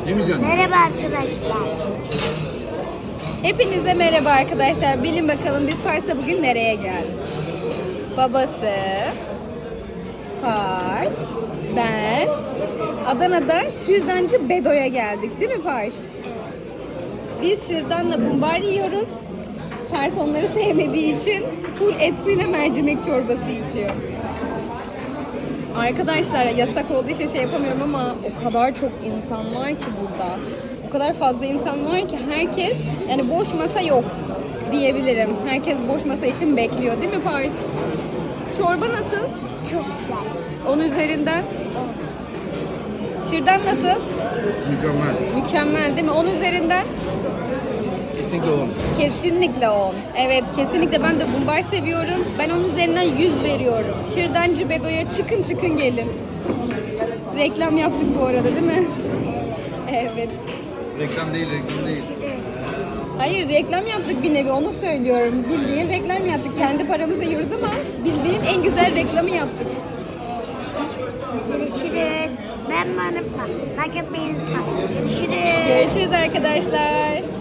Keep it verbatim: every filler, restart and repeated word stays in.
Yemeyeceksin. Merhaba arkadaşlar. Hepinize merhaba arkadaşlar. Bilin bakalım biz Pars'ta bugün nereye geldik? Babası, Pars, ben, Adana'da Şırdancı Bedo'ya geldik değil mi Pars? Biz şırdanla bumbar yiyoruz. Pars onları sevmediği için full etsiyle mercimek çorbası içiyor. Arkadaşlar yasak olduğu için şey yapamıyorum ama o kadar çok insan var ki burada. O kadar fazla insan var ki herkes, yani boş masa yok diyebilirim. Herkes boş masa için bekliyor değil mi Paris? Çorba nasıl? Çok güzel. Onun üzerinden. Şırdan nasıl? Mükemmel. Mükemmel değil mi? Onun üzerinden. Kesinlikle on. Kesinlikle on. Evet, kesinlikle ben de bumbar seviyorum. Ben onun üzerinden yüz veriyorum. Şırdancı Bedo'ya çıkın çıkın gelin. Reklam yaptık bu arada değil mi? Evet. Reklam değil, reklam değil. Hayır, reklam yaptık bir nevi, onu söylüyorum. Bildiğin reklam yaptık. Kendi paramızla yiyoruz ama bildiğin en güzel reklamı yaptık. Görüşürüz. Ben Manıp'la. Like yapmayı unutma. Görüşürüz. Görüşürüz arkadaşlar.